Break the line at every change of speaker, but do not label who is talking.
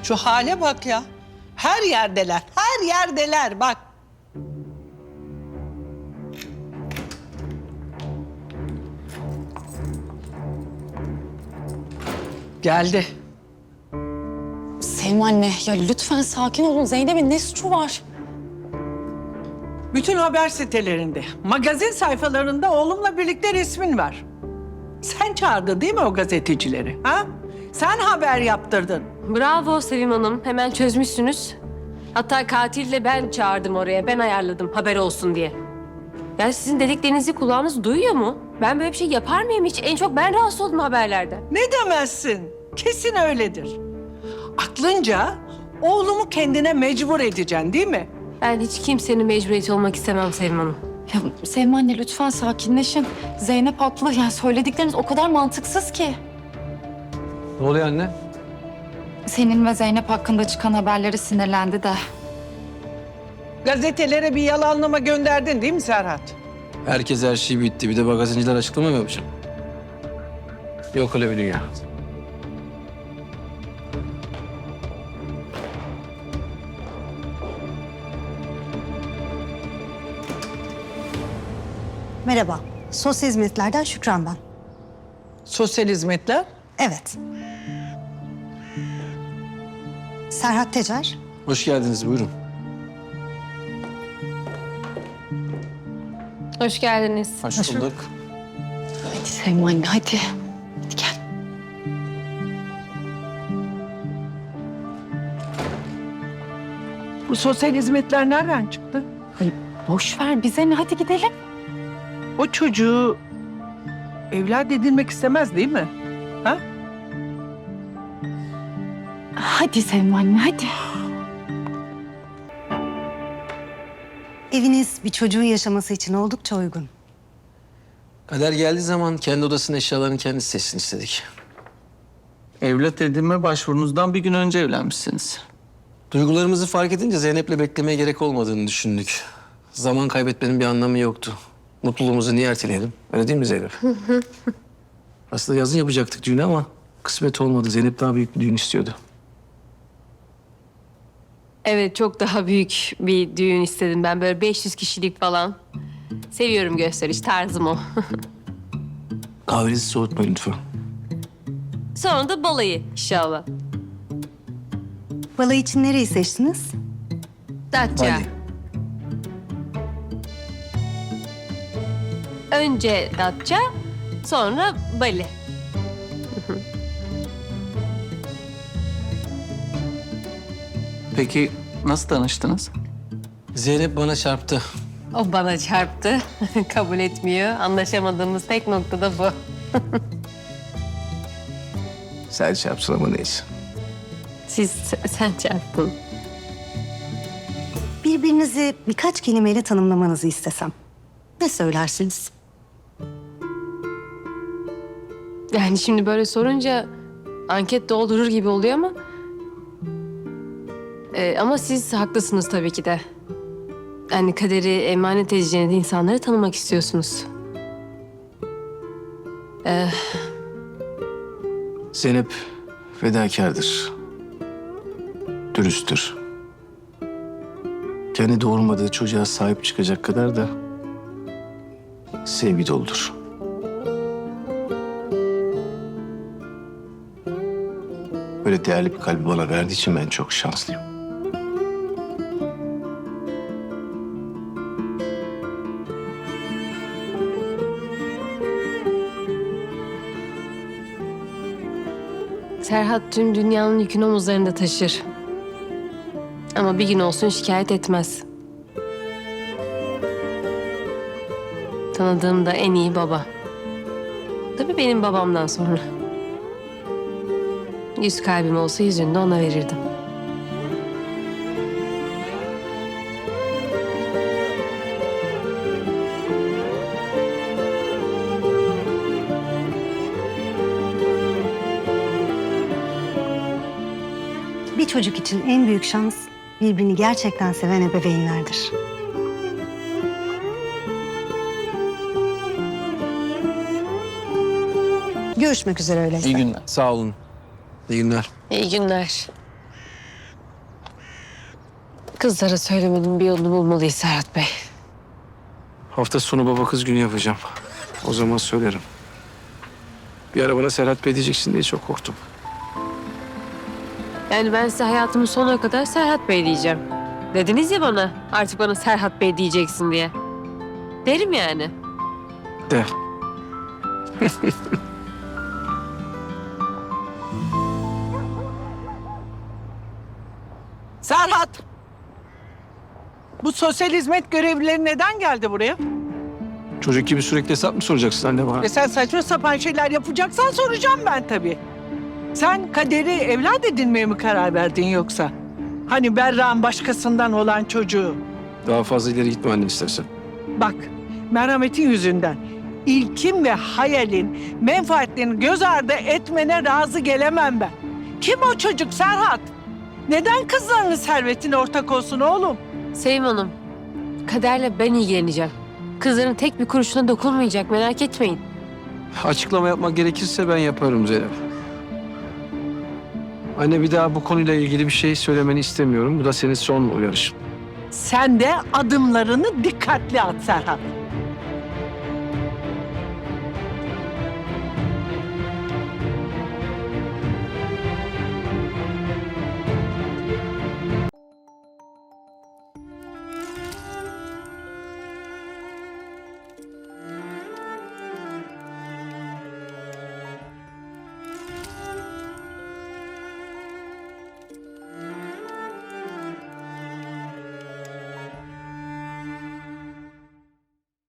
Şu hale bak ya. Her yerdeler, her yerdeler bak. Geldi.
Sevim anne, ya lütfen sakin olun. Zeynep'in ne suçu var?
Bütün haber sitelerinde, magazin sayfalarında oğlumla birlikte resmin var. Sen çağırdın değil mi o gazetecileri? Ha? Sen haber yaptırdın.
Bravo Sevim Hanım. Hemen çözmüşsünüz. Hatta katille ben çağırdım oraya. Ben ayarladım haber olsun diye. Yani sizin dediklerinizi kulağınız duyuyor mu? Ben böyle bir şey yapar mıyım hiç? En çok ben rahatsız oldum haberlerden.
Ne demezsin? Kesin öyledir. Aklınca oğlumu kendine mecbur edeceksin değil mi?
Ben hiç kimsenin mecburiyeti olmak istemem Sevim Hanım.
Ya Sevim anne lütfen sakinleşin. Zeynep haklı. Yani söyledikleriniz o kadar mantıksız ki.
Ne oluyor anne?
Senin ve Zeynep hakkında çıkan haberlere sinirlendi de.
Gazetelere bir yalanlama gönderdin değil mi Serhat?
Herkes her şey bitti. Bir de magazinciler açıklama mı yapacak? Yok öyle bir dünya.
Merhaba, sosyal hizmetlerden Şükran ben.
Sosyal hizmetler.
Evet. Serhat Tecer.
Hoş geldiniz, buyurun.
Hoş geldiniz.
Hoş bulduk.
Hadi Sevim anne hadi. Hadi gel.
Bu sosyal hizmetler nereden çıktı?
Ay, boş ver bize ne, hadi gidelim.
O çocuğu evlat edinmek istemez değil mi? Ha?
Hadi Sevim anne hadi.
Eviniz bir çocuğun yaşaması için oldukça uygun.
Kader geldiği zaman kendi odasının eşyalarını kendisi seçsin istedik.
Evlat edinme başvurunuzdan bir gün önce evlenmişsiniz.
Duygularımızı fark edince Zeynep'le beklemeye gerek olmadığını düşündük. Zaman kaybetmenin bir anlamı yoktu. Mutluluğumuzu niye erteleyelim? Öyle değil mi Zeynep? Aslında yazın yapacaktık düğünü ama kısmet olmadı. Zeynep daha büyük bir düğün istiyordu.
Evet, çok daha büyük bir düğün istedim ben. Böyle 500 kişilik falan. Seviyorum gösteriş, tarzım o.
Kahvenizi soğutmayın lütfen.
Sonra da balayı inşallah.
Balayı için nereyi seçtiniz?
Datça.
Bali.
Önce Datça, sonra Bali.
Peki nasıl tanıştınız?
Zeynep bana çarptı.
O bana çarptı. Kabul etmiyor. Anlaşamadığımız tek nokta da bu.
Sen çarpsın ama neyse.
Sen çarptın.
Birbirinizi birkaç kelimeyle tanımlamanızı istesem. Ne söylersiniz?
Yani şimdi böyle sorunca anket doldurur gibi oluyor ama... ama siz haklısınız tabii ki de. Yani kaderi emanet edeceğiniz insanları tanımak istiyorsunuz.
Zeynep fedakardır. Dürüsttür. Kendi doğurmadığı çocuğa sahip çıkacak kadar da sevgi doludur. Böyle değerli bir kalbi bana verdiği için ben çok şanslıyım.
Serhat tüm dünyanın yükünü omuzlarında taşır. Ama bir gün olsun şikayet etmez. Tanıdığım da en iyi baba. Tabii benim babamdan sonra. 100 kalbim olsa 100'ünü de ona verirdim.
Bir çocuk için en büyük şans birbirini gerçekten seven ebeveynlerdir. Görüşmek üzere öyleyse.
İyi günler.
Sağ olun. İyi günler.
İyi günler. Kızlara söylemenin bir yolunu bulmalıyız Serhat Bey.
Hafta sonu baba kız günü yapacağım. O zaman söylerim. Bir ara bana Serhat Bey diyeceksin diye çok korktum.
Yani ben size hayatımın sonuna kadar Serhat Bey diyeceğim. Dediniz ya bana, artık bana Serhat Bey diyeceksin diye. Derim yani.
De.
Serhat! Bu sosyal hizmet görevlileri neden geldi buraya?
Çocuk gibi sürekli hesap mı soracaksın anne bana?
Sen saçma sapan şeyler yapacaksan soracağım ben tabii. Sen Kader'i evlat edinmeye mi karar verdin yoksa? Hani Berra'nın başkasından olan çocuğu.
Daha fazla ileri gitme anne istersen.
Bak, merhametin yüzünden İlkin ve Hayal'in menfaatlerini göz ardı etmene razı gelemem ben. Kim o çocuk Serhat? Neden kızlarının servetine ortak olsun oğlum?
Sevim Hanım, Kader'le ben ilgileneceğim. Kızların tek bir kuruşuna dokunmayacak, merak etmeyin.
Açıklama yapmak gerekirse ben yaparım Zeynep. Anne bir daha bu konuyla ilgili bir şey söylemeni istemiyorum. Bu da senin son uyarışın.
Sen de adımlarını dikkatli at Serhat.